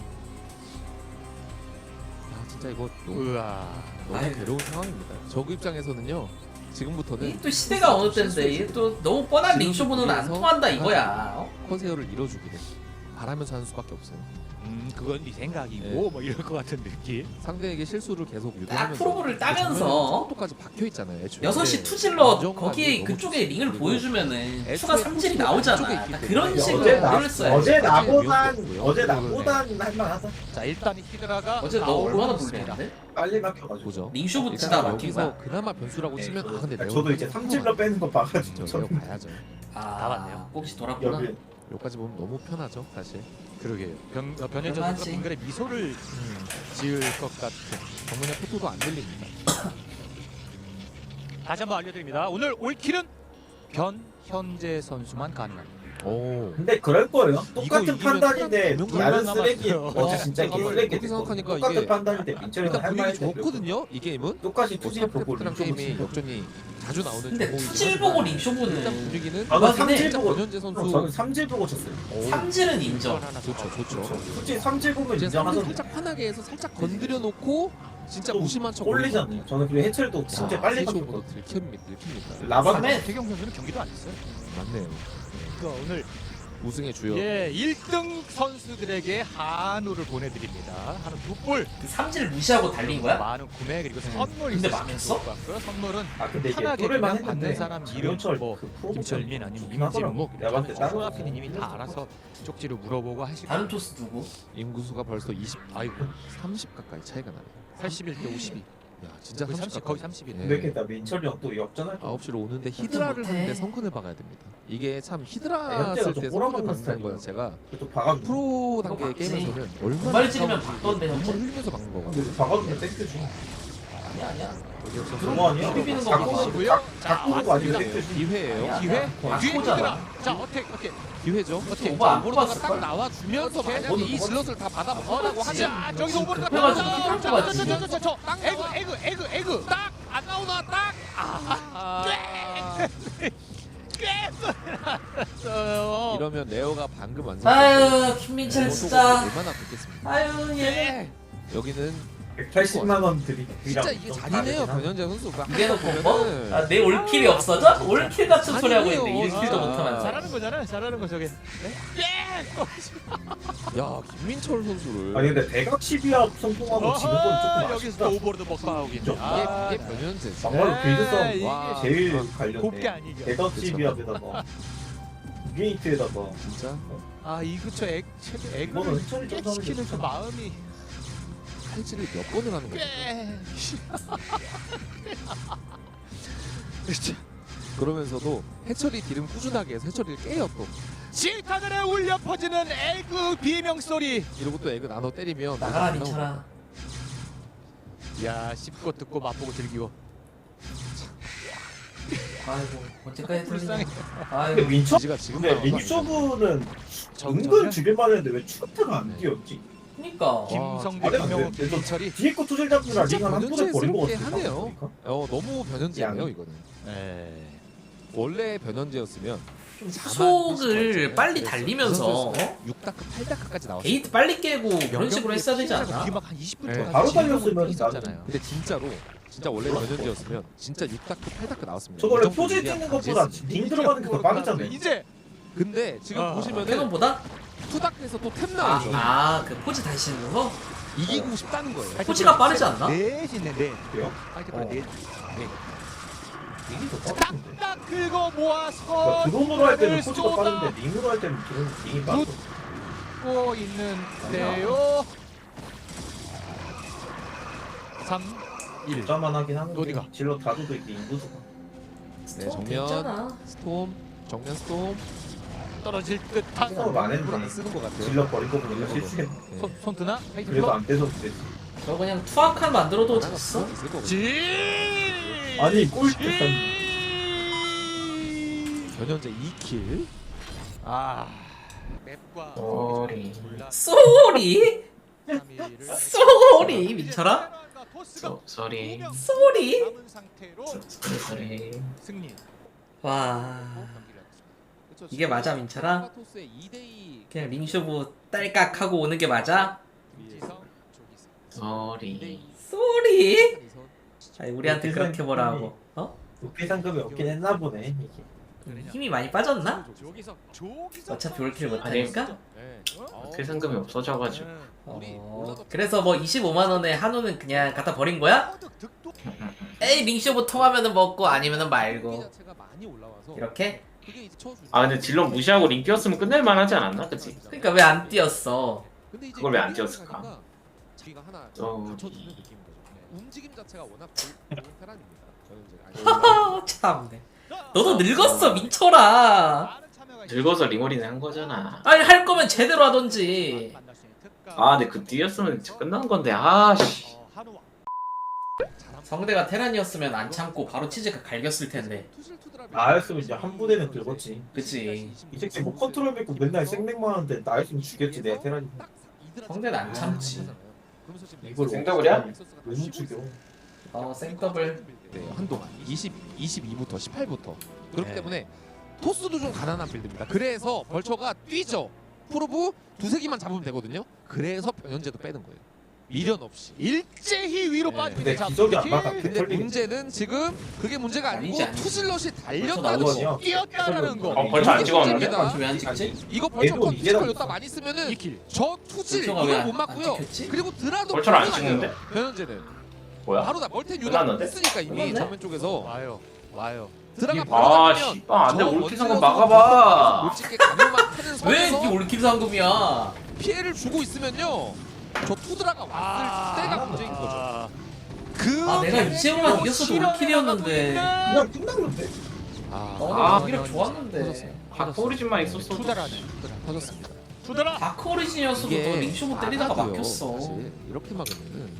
Speaker 4: 진짜 이거 너무,
Speaker 5: 우와.
Speaker 4: 너무
Speaker 2: 아유.
Speaker 4: 괴로운 상황입니다. 저그 입장에서는요. 지금부터는
Speaker 2: 이게 또 시대가 어느 때인데 이게 또 너무 뻔한 링쇼부는 안 통한다 이거야. 어?
Speaker 4: 커세어를 잃어주기를 바라면서 하는 수밖에 없어요.
Speaker 5: 음, 그건 네 생각이고
Speaker 4: 네.
Speaker 5: 뭐 이럴 것 같은 느낌.
Speaker 4: 상대에게 실수를 계속
Speaker 2: 딱
Speaker 4: 유도하면서
Speaker 2: 프로브를 따면서
Speaker 4: 또까지 박혀 있잖아요. 애초에.
Speaker 2: 여섯 시
Speaker 4: 네.
Speaker 2: 투질러
Speaker 4: 안정감이
Speaker 2: 거기에
Speaker 4: 너무
Speaker 2: 그쪽에
Speaker 4: 좋습니다.
Speaker 2: 링을
Speaker 4: 그리고
Speaker 2: 보여주면은
Speaker 4: 애초에
Speaker 2: 추가 삼질이
Speaker 4: 투질러
Speaker 2: 나오잖아.
Speaker 4: 안쪽에 있기
Speaker 2: 딱
Speaker 4: 때문에
Speaker 2: 그런 식으로
Speaker 3: 어제 나
Speaker 2: 링을 써야지.
Speaker 3: 어제 나보단
Speaker 4: 위험도
Speaker 3: 어제
Speaker 4: 없고요.
Speaker 3: 나보단 할만하다.
Speaker 5: 자, 일단 히드라가
Speaker 2: 어제 너
Speaker 5: 나오고
Speaker 2: 얼마나
Speaker 5: 있습니다.
Speaker 2: 불리한데?
Speaker 3: 빨리 막혀가지고.
Speaker 4: 보죠.
Speaker 2: 링쇼부
Speaker 4: 일단
Speaker 2: 치다 막힌
Speaker 4: 여기서
Speaker 2: 거야.
Speaker 4: 그나마 변수라고
Speaker 3: 네,
Speaker 4: 치면 아 근데
Speaker 3: 그러니까
Speaker 4: 레오
Speaker 3: 저도 이제 삼질러 빼는 거 봐가지고
Speaker 4: 저 레오
Speaker 3: 저는
Speaker 4: 봐야죠.
Speaker 2: 아,
Speaker 5: 나왔네요.
Speaker 2: 꼭지 돌았구나.
Speaker 3: 여기
Speaker 4: 여기까지 보면 너무 편하죠 사실.
Speaker 5: 그러게요. 변 어, 변현재
Speaker 2: 그만하지.
Speaker 5: 선수가 빙글에 미소를 음, 지을 것 같은.
Speaker 4: 정문의 포토도 안 들립니다.
Speaker 5: 다시 한번 알려드립니다. 오늘 올킬은 변현재 선수만 가능합니다.
Speaker 4: 오.
Speaker 3: 근데 그럴 거예요.
Speaker 5: 이거
Speaker 3: 똑같은
Speaker 5: 이기면
Speaker 3: 판단인데
Speaker 5: 몇
Speaker 3: 나는
Speaker 5: 명만
Speaker 3: 쓰레기
Speaker 5: 남았어요.
Speaker 3: 어제 진짜
Speaker 4: 잠깐만,
Speaker 3: 쓰레기
Speaker 4: 그렇게 생각하니까
Speaker 3: 똑같은
Speaker 4: 이게
Speaker 3: 판단인데 민철이가
Speaker 4: 일단
Speaker 3: 할
Speaker 4: 분위기
Speaker 3: 말이
Speaker 4: 좋거든요 이 게임은.
Speaker 3: 똑같이 투질 보고
Speaker 4: 스타크래프트랑
Speaker 3: 링쇼부
Speaker 4: 게임이
Speaker 3: 치고.
Speaker 4: 역전이 자주 나오는
Speaker 2: 근데
Speaker 4: 종목이긴
Speaker 2: 투질
Speaker 4: 하지만
Speaker 2: 보고
Speaker 4: 일단
Speaker 2: 링쇼부는
Speaker 4: 분위기는
Speaker 3: 저는
Speaker 2: 맞긴 해.
Speaker 3: 삼질
Speaker 4: 진짜
Speaker 3: 보고
Speaker 4: 변현재 선수
Speaker 3: 형, 저는 삼질 보고 쳤어요.
Speaker 4: 오,
Speaker 2: 삼질은 인정.
Speaker 4: 좋죠 좋죠.
Speaker 3: 솔직히 삼질 보면
Speaker 4: 이제 상대
Speaker 3: 인정하던데.
Speaker 4: 살짝 편하게 해서 살짝 건드려 놓고 진짜
Speaker 3: 또
Speaker 4: 무심한 척
Speaker 3: 꼴리잖아요. 저는 그리고 해철도 진짜 빨리
Speaker 4: 도
Speaker 3: 바뀌었거든요.
Speaker 4: 들킵니다 들킵니다.
Speaker 3: 라바
Speaker 2: 삼회
Speaker 5: 태경 선수는 경기도 안 했어요.
Speaker 4: 맞네요.
Speaker 5: 그러니까 오늘
Speaker 4: 우승의 주역.
Speaker 5: 예, 일 등 선수들에게 한우를 보내드립니다. 한우 두 볼.
Speaker 2: 그 삼질 무시하고 달린 거야?
Speaker 5: 많은 구매 그리고 선물
Speaker 2: 근데
Speaker 5: 있으시면
Speaker 2: 망했어?
Speaker 5: 좋을 것 같고요. 선물은
Speaker 3: 아 근데 이게
Speaker 5: 편하게
Speaker 3: 뚫을만
Speaker 5: 그냥 받는
Speaker 3: 했는데
Speaker 5: 사람 이름,
Speaker 3: 장윤철
Speaker 5: 뭐
Speaker 3: 그 프로그램
Speaker 5: 김철민 아니면
Speaker 3: 좋긴 하더라고.
Speaker 5: 임진묵
Speaker 3: 내가 봤을 때 다른
Speaker 5: 소아
Speaker 3: 거
Speaker 5: 피디님이 다 알아서 쪽지로 물어보고 하시고
Speaker 2: 다른 토스 누구?
Speaker 4: 인구수가 벌써 이십 아이고 삼십 가까이 차이가 나네.
Speaker 5: 팔십일 대 오십이.
Speaker 4: 야 진짜
Speaker 5: 거의
Speaker 4: 삼십
Speaker 5: 삼십, 거의 삼십일.
Speaker 4: 예.
Speaker 3: 근데 이렇게 나 민철이 형 또 역전할 거.
Speaker 4: 아홉 시로 오는데 히드라를
Speaker 2: 못해.
Speaker 4: 하는데 성큰을 박아야 됩니다. 이게 참 히드라
Speaker 3: 현재가
Speaker 4: 쓸
Speaker 3: 좀
Speaker 4: 때
Speaker 3: 꼬라박는
Speaker 4: 성큰을 박는
Speaker 3: 스타일이에요.
Speaker 4: 거야. 제가
Speaker 3: 또 박아주고.
Speaker 4: 프로 단계
Speaker 2: 박지.
Speaker 4: 게임에서는 얼마나
Speaker 2: 두발 찌르면
Speaker 4: 가까운지
Speaker 2: 박던데,
Speaker 4: 눈물
Speaker 2: 현재?
Speaker 4: 흘리면서 박는 거거든.
Speaker 3: 근데 박아주면 땡겨줘.
Speaker 2: 아니야 아니야.
Speaker 3: 그거 아니야?
Speaker 2: 비비는 거
Speaker 3: 자꾸
Speaker 5: 보시고요.
Speaker 3: 자꾸도 아니면 땡겨줘.
Speaker 4: 기회예요.
Speaker 2: 아니야.
Speaker 5: 기회?
Speaker 2: 아,
Speaker 5: 뒤에
Speaker 2: 코잖아.
Speaker 5: 히드라. 자, 어떻게 어떻게?
Speaker 4: 기회죠.
Speaker 5: 어떻게?
Speaker 2: 오버 안
Speaker 4: 오버로드가
Speaker 2: 뽑았을
Speaker 4: 딱
Speaker 2: 걸?
Speaker 4: 나와주면서
Speaker 5: 어떻게?
Speaker 4: 만약에 이 슬롯을 다 받아 먹으라고 하면
Speaker 5: 자, 저기서 오버로드가
Speaker 2: 급해가지고
Speaker 5: 나와서
Speaker 2: 히드라 뽑았지.
Speaker 5: 저, 저, 저, 저, 저, 저, 에그 에그 에그 에그 딱 안 나오나 딱. 아. 꽤 깼어요.
Speaker 4: 이러면 레오가 방금 완성.
Speaker 2: 아유 김민철 진짜.
Speaker 4: 얼마나 좋겠습니까?
Speaker 2: 아유 얘.
Speaker 4: 여기는
Speaker 3: 백팔십만 원 드리.
Speaker 4: 진짜 이게 잔인해요 변현재 선수가.
Speaker 2: 이게 너
Speaker 4: 보면은
Speaker 2: 뭐? 아, 내 올킬이 없어져? 올킬 같은 소리 하고 있는데
Speaker 4: 아니에요,
Speaker 2: 일 킬도
Speaker 4: 진짜.
Speaker 2: 못하면서.
Speaker 5: 잘하는 거잖아. 잘하는 거 저게.
Speaker 4: 야 김민철 선수를
Speaker 3: 아니 근데 대각 십이합 성공하고 지는 건 조금
Speaker 5: 여기서
Speaker 3: 아쉽다.
Speaker 5: 또 오버로드 먹고 나오긴.
Speaker 3: 좀.
Speaker 4: 이게,
Speaker 5: 아,
Speaker 4: 이게 변현재.
Speaker 3: 막말로 빌드
Speaker 5: 네,
Speaker 3: 싸움
Speaker 5: 이게
Speaker 4: 와.
Speaker 3: 제일
Speaker 4: 아,
Speaker 3: 관련돼.
Speaker 5: 곱게 아니죠.
Speaker 3: 대각
Speaker 4: 그쵸.
Speaker 3: 십이합에다가 유니트에다가
Speaker 4: 진짜
Speaker 5: 아, 이 그쵸. 액
Speaker 3: 이거는
Speaker 5: 액을
Speaker 3: 해철이 좀
Speaker 5: 깨치키는 그
Speaker 3: 사람이
Speaker 5: 마음이
Speaker 4: 칼질을 몇 번을 하는 거죠.
Speaker 5: 꽤.
Speaker 4: 그러면서도 해철이 딜은 꾸준하게 해서 해철이를 깨요 또.
Speaker 5: 지하늘에 울려 퍼지는 에그 비명 소리.
Speaker 4: 이러고 또 애그 나눠 때리면
Speaker 2: 나가라
Speaker 4: 내가
Speaker 2: 민철아.
Speaker 5: 야, 씹고 듣고 맛보고 즐기고.
Speaker 2: 아이고 언제까지
Speaker 5: 불쌍해.
Speaker 2: 불쌍해.
Speaker 3: 근데
Speaker 2: 아이고
Speaker 3: 민철
Speaker 4: 지가 지금
Speaker 3: 근데
Speaker 4: 나와서
Speaker 3: 링쇼부는
Speaker 5: 정정이야?
Speaker 3: 은근 죽일만 했는데 왜 추가타가 안
Speaker 4: 네.
Speaker 3: 뛰었지?
Speaker 2: 그니까.
Speaker 5: 김성대,
Speaker 3: 아,
Speaker 5: 김명호,
Speaker 3: 근데
Speaker 5: 김철이.
Speaker 3: 뒤에 거 투질 잡느라
Speaker 4: 진짜
Speaker 3: 링한 한 번에 버린 거
Speaker 4: 변현재스럽게
Speaker 3: 같아.
Speaker 4: 하네요. 어 너무 변현재예요
Speaker 3: 양.
Speaker 4: 이거는.
Speaker 5: 에.
Speaker 4: 원래 변현재였으면
Speaker 2: 좀 속을 빨리 달리면서 어?
Speaker 4: 육 다크 팔 다크까지 나왔어요.
Speaker 2: 게이트 빨리 깨고 그런 식으로 했어야 되지 않나?
Speaker 5: 뒤막 한 이십 분
Speaker 4: 네.
Speaker 5: 동안
Speaker 3: 바로
Speaker 5: 지르고
Speaker 3: 달렸으면
Speaker 5: 있었잖아요.
Speaker 4: 근데 진짜로 진짜 원래 변현재였으면 진짜 육 다크 팔 다크 나왔습니다.
Speaker 3: 저 원래
Speaker 4: 이 정도
Speaker 3: 포즈
Speaker 4: 유리한
Speaker 3: 뛰는 것보다
Speaker 4: 강제였습니다.
Speaker 3: 링 들어가는 게 더 빠르잖아요.
Speaker 5: 이제
Speaker 4: 근데 지금
Speaker 5: 아,
Speaker 4: 보시면은
Speaker 2: 페논보다?
Speaker 4: 투 다크에서 또 템 나오죠.
Speaker 2: 아그 포즈 다시 씻는 거?
Speaker 4: 이기고 싶다는 거예요.
Speaker 2: 포즈가 빠르지 않나?
Speaker 5: 넷이네 넷.
Speaker 3: 그래요?
Speaker 5: 파이트
Speaker 3: 어.
Speaker 5: 넷.
Speaker 3: 링이 더 빠른데.
Speaker 5: 딱 긁어 모아서
Speaker 3: 그러니까 드론으로 할 때는 포즈가
Speaker 5: 쏟아
Speaker 3: 빠른데 링으로 할 때는 드론 링이 빠르고.
Speaker 5: 고 있는데요. 삼, 일.
Speaker 3: 일자만 하긴 하는데
Speaker 5: 어디가?
Speaker 3: 질러 다도도 이렇게 인구수가.
Speaker 4: 네,
Speaker 2: 어,
Speaker 4: 정면
Speaker 2: 괜찮아.
Speaker 4: 스톰, 정면 스톰.
Speaker 5: 떨어질 듯한
Speaker 3: 서로
Speaker 4: 일부러
Speaker 3: 많은데
Speaker 4: 안 쓰는 것 같아요.
Speaker 3: 질러 버린 거 보니까
Speaker 4: 일부러.
Speaker 3: 실수했네.
Speaker 4: 네.
Speaker 5: 손, 손 드나? 페이트
Speaker 3: 그래도
Speaker 5: 플러?
Speaker 3: 안 떼서 그랬지.
Speaker 2: 저 그냥 투악한 만들어도 됐어?
Speaker 4: 있을 거거든요.
Speaker 5: 지.
Speaker 3: 아니 꼴찌
Speaker 4: 변현재 이 킬.
Speaker 5: 아. 맵과
Speaker 2: 쏘리.
Speaker 5: 몰라.
Speaker 2: 쏘리?
Speaker 5: 삼위를
Speaker 2: 쏘리 민철아?
Speaker 5: 토스가
Speaker 1: 쏘리.
Speaker 5: 두 명
Speaker 2: 쏘리?
Speaker 5: 남은 상태로
Speaker 1: 쏘리.
Speaker 5: 승리.
Speaker 2: 와
Speaker 4: 그쵸,
Speaker 2: 이게 맞아 민철아?
Speaker 4: 토스의 이 대 이
Speaker 2: 그냥 링쇼부 딸깍하고 오는 게 맞아?
Speaker 5: 지성, 조기성.
Speaker 1: 쏘리.
Speaker 4: 이 대 이
Speaker 2: 쏘리? 아니 우리한테 그렇게 뭐라고? 어?
Speaker 3: 높이 상급이 없긴 했나 보네 이게.
Speaker 2: 힘이 많이 빠졌나?
Speaker 5: 저기서 저기서
Speaker 2: 어차피 올킬 못하니까?
Speaker 1: 그 상금이 없어져가지고.
Speaker 2: 어, 그래서 뭐 이십오만 원에 한우는 그냥 갖다 버린 거야? 에이 링쇼부 통하면은 먹고 아니면은 말고
Speaker 4: 자체가 많이 올라와서
Speaker 2: 이렇게?
Speaker 4: 그게 이제 쳐
Speaker 1: 아 근데 질럿 무시하고 링 뛰었으면 끝낼만 하지 않았나? 그치?
Speaker 2: 그러니까 왜 안 뛰었어?
Speaker 4: 근데 이제
Speaker 1: 그걸 왜안
Speaker 4: 뛰어가니까
Speaker 1: 뛰었을까?
Speaker 4: 자기가 하나
Speaker 1: 어,
Speaker 4: 갖춰주는 느낌인 거죠. 움직임 자체가 워낙 좋은 테란입니다. 저는 이제
Speaker 2: 하하 참네. 너도 늙었어 민철아.
Speaker 1: 늙어서 링어리는 한 거잖아.
Speaker 2: 아니 할 거면 제대로 하던지.
Speaker 1: 아 근데 그 뛰었으면 진짜 끝난 건데 아씨.
Speaker 2: 성대가 테란이었으면 안 참고 바로 치즈가 갈겼을 텐데.
Speaker 3: 나였으면 이제 한 부대는 긁었지.
Speaker 2: 그치.
Speaker 3: 이 새끼 뭐 컨트롤 뱉고 맨날 생맥만 하는데 나였으면 죽였지 내 테란이.
Speaker 2: 성대는 안 참지.
Speaker 3: 이걸
Speaker 1: 생더블이야?
Speaker 3: 왜 못 죽여?
Speaker 2: 어 생더블.
Speaker 4: 네, 한동안 이십, 이십이부터 십팔부터 그렇기
Speaker 5: 네.
Speaker 4: 때문에 토스도 좀 가난한 빌드입니다. 그래서 벌처가 뛰죠. 프로브 두세 개만 잡으면 되거든요. 그래서 변현재도 빼는 거예요. 미련 없이.
Speaker 5: 일제히 위로
Speaker 4: 네.
Speaker 5: 빠지고
Speaker 3: 근데
Speaker 5: 있는
Speaker 3: 기적이 안
Speaker 5: 자,
Speaker 3: 막아.
Speaker 5: 킬.
Speaker 4: 근데
Speaker 3: 털리겠지.
Speaker 4: 문제는 지금 그게 문제가 아니고
Speaker 2: 아니지, 아니지.
Speaker 4: 투질럿이 달렸다는
Speaker 2: 벌써
Speaker 4: 거.
Speaker 3: 나오거든요.
Speaker 5: 뛰었다라는 거.
Speaker 1: 어, 벌써 안
Speaker 4: 이게
Speaker 1: 찍었는데?
Speaker 4: 문제입니다.
Speaker 2: 왜안 찍지?
Speaker 4: 이거 벌처
Speaker 3: 얘도 이게
Speaker 4: 컨디션
Speaker 3: 다
Speaker 4: 여기다 많이 쓰면은
Speaker 5: 이 킬.
Speaker 4: 저 투질
Speaker 2: 벌처가
Speaker 4: 이걸
Speaker 2: 왜
Speaker 4: 못
Speaker 2: 안-
Speaker 4: 맞고요.
Speaker 2: 안 찍혔지?
Speaker 4: 그리고 드라도
Speaker 1: 벌처를 안
Speaker 4: 바로
Speaker 1: 찍는데?
Speaker 4: 나가요. 변현재는
Speaker 1: 뭐야?
Speaker 4: 바로 다 멀텐 유도
Speaker 1: 끝났는데?
Speaker 4: 했으니까 이미
Speaker 2: 끝났네?
Speaker 4: 정면 쪽에서
Speaker 5: 와요. 와요.
Speaker 4: 드라가
Speaker 1: 아
Speaker 4: 바로
Speaker 1: 씨발 안돼
Speaker 4: 저
Speaker 1: 올킬 상금
Speaker 4: 원질럿으로
Speaker 1: 막아봐.
Speaker 4: 올찍게 가면만 하는
Speaker 2: 왜
Speaker 4: 선에서
Speaker 2: 이게 올킬 상금이야?
Speaker 4: 피해를 주고 있으면요. 저 투드라가 왔을
Speaker 5: 아,
Speaker 4: 때가 문제인 거죠.
Speaker 5: 아,
Speaker 4: 그
Speaker 2: 아 내가 이제만 이겼어도 올킬이었는데.
Speaker 3: 그냥 끝났는데.
Speaker 4: 아,
Speaker 2: 어
Speaker 5: 아,
Speaker 2: 오히려
Speaker 5: 아니,
Speaker 2: 좋았는데.
Speaker 1: 다크 오리진만 있었어.
Speaker 5: 투자라네.
Speaker 4: 터졌습니다.
Speaker 5: 투더라.
Speaker 2: 다크 오리진이었어도 또 링쇼부 때리다가
Speaker 4: 아마도요,
Speaker 2: 막혔어.
Speaker 4: 사실 이렇게 막으면은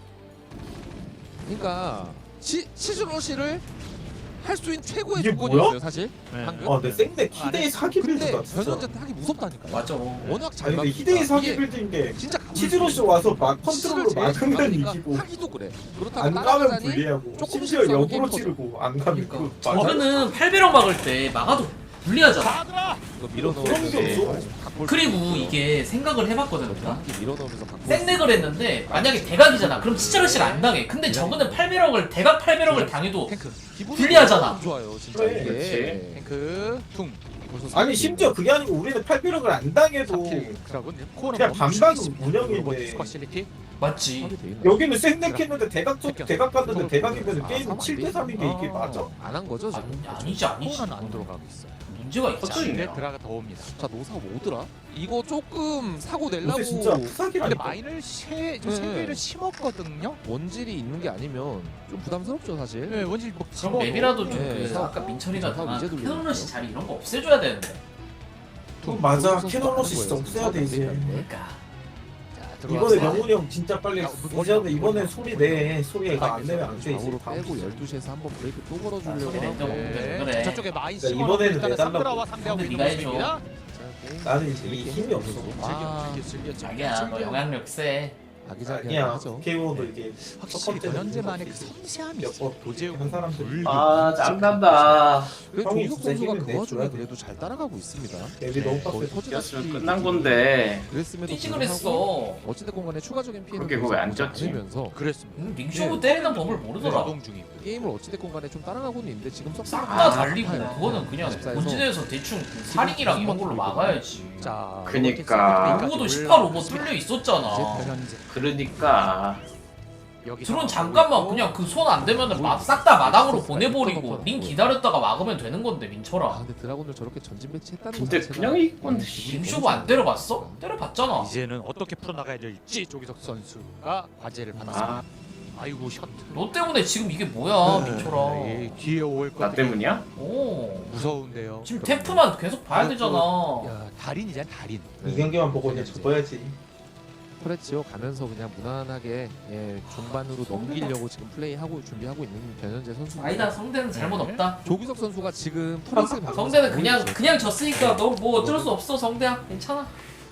Speaker 4: 그러니까 치 치즈러시를 할 수 있는 최고의
Speaker 3: 이게
Speaker 4: 조건이었어요,
Speaker 3: 뭐야?
Speaker 4: 사실.
Speaker 5: 네.
Speaker 4: 방금.
Speaker 3: 아, 근데 생맥 희대의 사기
Speaker 4: 근데
Speaker 3: 빌드가 진짜.
Speaker 4: 변현재 타기 무섭다니까요.
Speaker 2: 맞아.
Speaker 4: 워낙 잘
Speaker 3: 아니 근데
Speaker 4: 막히니까.
Speaker 3: 희대의 사기
Speaker 4: 이게
Speaker 3: 빌드인 게
Speaker 4: 진짜 가볼
Speaker 3: 치즈로시
Speaker 4: 수 있는
Speaker 3: 와서 막
Speaker 4: 치즈를
Speaker 3: 컨트롤로
Speaker 4: 제일 잘
Speaker 3: 막으면
Speaker 4: 막으니까
Speaker 3: 이기고
Speaker 4: 하기도 그래. 그렇다고
Speaker 3: 안 가면
Speaker 4: 따라가자니
Speaker 3: 불리하고
Speaker 4: 조금
Speaker 3: 심지어
Speaker 4: 실수하고
Speaker 3: 역으로
Speaker 4: 게임 터져.
Speaker 3: 찌르고 안 가면
Speaker 2: 그러니까
Speaker 3: 그 맞아.
Speaker 2: 저거는 팔배럭 막을 때 막아도 불리하잖아.
Speaker 5: 가드라.
Speaker 4: 이거
Speaker 3: 그런 게
Speaker 4: 밀어넣으면서
Speaker 3: 없어.
Speaker 4: 각볼
Speaker 2: 그리고
Speaker 4: 수 있고요.
Speaker 2: 이게 생각을 해봤거든 내가.
Speaker 4: 이렇게 밀어넣으면서 각볼 수
Speaker 2: 생렉을 했는데 만약에 대각이잖아. 그럼 치즈러시를 안 당해. 근데 저거는 팔배럭을 대각 팔배럭을 당해도
Speaker 5: 탱크.
Speaker 4: 기분이
Speaker 2: 불리하잖아.
Speaker 4: 너무 좋아요, 진짜
Speaker 3: 그래,
Speaker 4: 이게.
Speaker 1: 그렇지.
Speaker 5: 탱크. 퉁.
Speaker 4: 벌써
Speaker 3: 아니 심지어 그게 아니고 우리는 팔비력을 안 당해도
Speaker 5: 드라군. 코너
Speaker 3: 그냥
Speaker 5: 멈추기
Speaker 3: 반반
Speaker 5: 있습니다.
Speaker 3: 운영인데.
Speaker 5: 로봇 스쿼시리티.
Speaker 2: 맞지.
Speaker 4: 하게 돼 있나?
Speaker 3: 여기는 생맥했는데 대각 쪽
Speaker 5: 새끼야.
Speaker 3: 대각 갔는데 대각이면
Speaker 4: 아,
Speaker 3: 게임은
Speaker 4: 사면
Speaker 3: 칠 대
Speaker 4: 안
Speaker 3: 삼인 게 이게
Speaker 5: 아.
Speaker 3: 맞아?
Speaker 4: 안한 거죠 지금?
Speaker 2: 아니, 아니지 아니지.
Speaker 5: 코너는 안 들어가고 있어요.
Speaker 2: 문제가 있지.
Speaker 1: 터져 있네요.
Speaker 5: 근데 드라가 더 옵니다.
Speaker 4: 자 노사 뭐더라? 이거 조금 사고 내려고
Speaker 3: 요새 진짜
Speaker 5: 근데
Speaker 3: 푸사기라니까.
Speaker 5: 마인을 세, 좀
Speaker 4: 네.
Speaker 5: 생배를 심었거든요.
Speaker 4: 원질이 있는 게 아니면 좀 부담스럽죠 사실.
Speaker 5: 네, 원질 뭐
Speaker 2: 그럼 맵이라도 좀
Speaker 4: 네.
Speaker 2: 그 아까 민철이가
Speaker 4: 사고
Speaker 2: 당한
Speaker 4: 이제
Speaker 2: 그
Speaker 4: 돌리는
Speaker 2: 캐논러시
Speaker 4: 거죠.
Speaker 2: 자리 이런 거 없애줘야 되는데.
Speaker 3: 그건 맞아.
Speaker 4: 조국 선수가
Speaker 3: 캐논러시
Speaker 4: 하는
Speaker 3: 진짜
Speaker 4: 거예요,
Speaker 3: 없애야 돼 이제.
Speaker 2: 그러니까.
Speaker 5: 자,
Speaker 3: 이번에
Speaker 5: 들어왔어요.
Speaker 3: 명훈이 형 진짜 빨리 이제는 이번에 소리 내. 소리 이거 안 내면 안 돼 이제.
Speaker 4: 좌우로
Speaker 3: 다음
Speaker 4: 빼고
Speaker 3: 주에.
Speaker 4: 열두 시에서 한번 브레이크 또
Speaker 2: 아,
Speaker 4: 걸어주려고
Speaker 2: 소리 낸다고.
Speaker 4: 하고
Speaker 2: 그래.
Speaker 5: 네. 저쪽에 마인
Speaker 3: 그러니까
Speaker 5: 심어놓고
Speaker 3: 이번에는
Speaker 5: 일단은
Speaker 3: 내달라고.
Speaker 5: 삼드라와 상대하고
Speaker 2: 근데
Speaker 5: 있는
Speaker 2: 네가 해줘.
Speaker 5: 모습입니다.
Speaker 3: 나는 이제 이 힘이 없어.
Speaker 4: 아,
Speaker 5: 즐겨, 즐겨, 즐겨,
Speaker 2: 자기야 너
Speaker 5: 즐겨.
Speaker 2: 영향력 세.
Speaker 4: 아기자기하게
Speaker 3: 아니야.
Speaker 4: 하죠.
Speaker 3: 케이오도 이게
Speaker 5: 확실히
Speaker 3: 첫 번째는
Speaker 5: 변현재만의 그
Speaker 3: 이제
Speaker 5: 섬세함이
Speaker 3: 몇
Speaker 5: 있어.
Speaker 3: 번
Speaker 5: 도제욱
Speaker 3: 한 사람들.
Speaker 5: 불.
Speaker 1: 아 짬난다.
Speaker 4: 그래도
Speaker 3: 형이
Speaker 4: 조희석
Speaker 3: 진짜
Speaker 4: 선수가
Speaker 3: 힘을
Speaker 4: 그 와중에
Speaker 3: 내줘야 돼.
Speaker 4: 그래도 잘 따라가고 있습니다.
Speaker 3: 앱이 너무
Speaker 4: 거의
Speaker 3: 빡세.
Speaker 4: 터지다시피
Speaker 1: 뛰었으면 끝난 건데.
Speaker 4: 그랬음에도
Speaker 2: 뛰지
Speaker 4: 불구하고
Speaker 2: 그랬어.
Speaker 4: 어찌됐건 간에 추가적인 피해는
Speaker 1: 그렇게 그거 왜안 쪘지?
Speaker 4: 않으면서
Speaker 5: 그랬습니다.
Speaker 2: 음, 링쇼부 때리는 법을 모르더라.
Speaker 5: 가동 중이고.
Speaker 4: 게임을 어찌됐건 간에 좀 따라가고는 있는데 지금 썩
Speaker 2: 싹
Speaker 1: 아,
Speaker 2: 다 달리고
Speaker 4: 아파요.
Speaker 2: 그거는 그냥
Speaker 4: 십사에서
Speaker 2: 본진에서 대충 그 살인이랑 이런 걸로 막아야지.
Speaker 5: 자,
Speaker 1: 그니까.
Speaker 2: 그거도 십팔 오버 뚫려
Speaker 5: 이제
Speaker 2: 있었잖아.
Speaker 5: 변현재.
Speaker 1: 그러니까
Speaker 5: 여기
Speaker 2: 드론 잠깐만 그냥 그 손 안 되면은 싹 다 마당으로 보내버리고 링 기다렸다가 막으면 되는 건데
Speaker 4: 아
Speaker 2: 민철아.
Speaker 4: 근데 드라곤을 저렇게 전진 배치했다는 거
Speaker 1: 근데
Speaker 4: 자체가
Speaker 1: 그냥 이건
Speaker 4: 기분이
Speaker 2: 링쇼부 안 때려봤어? 때려봤잖아.
Speaker 5: 이제는 어떻게 풀어나가야 될지 조기석 선수가 과제를 받았습니다.
Speaker 1: 아,
Speaker 5: 아이고 셔트.
Speaker 2: 너 때문에 지금 이게 뭐야
Speaker 5: 네,
Speaker 2: 민철아.
Speaker 5: 뒤에 올
Speaker 1: 나
Speaker 5: 것들이
Speaker 1: 때문이야?
Speaker 2: 오.
Speaker 5: 무서운데요.
Speaker 2: 지금 테프만 계속 봐야 되잖아.
Speaker 5: 야, 달인이잖아 달인.
Speaker 3: 이 경기만 보고 이제 접어야지.
Speaker 4: 프레치오 가면서 그냥 무난하게 예, 종반으로 넘기려고 지금 플레이하고 준비하고 있는 변현재 선수.
Speaker 2: 아니다 성대는 잘못 없다.
Speaker 4: 조기석 선수가 지금 터렛을 박으면서
Speaker 2: 성대는 그냥
Speaker 4: 보이죠?
Speaker 2: 그냥 졌으니까 너 뭐 어쩔 수 없어 성대야 괜찮아.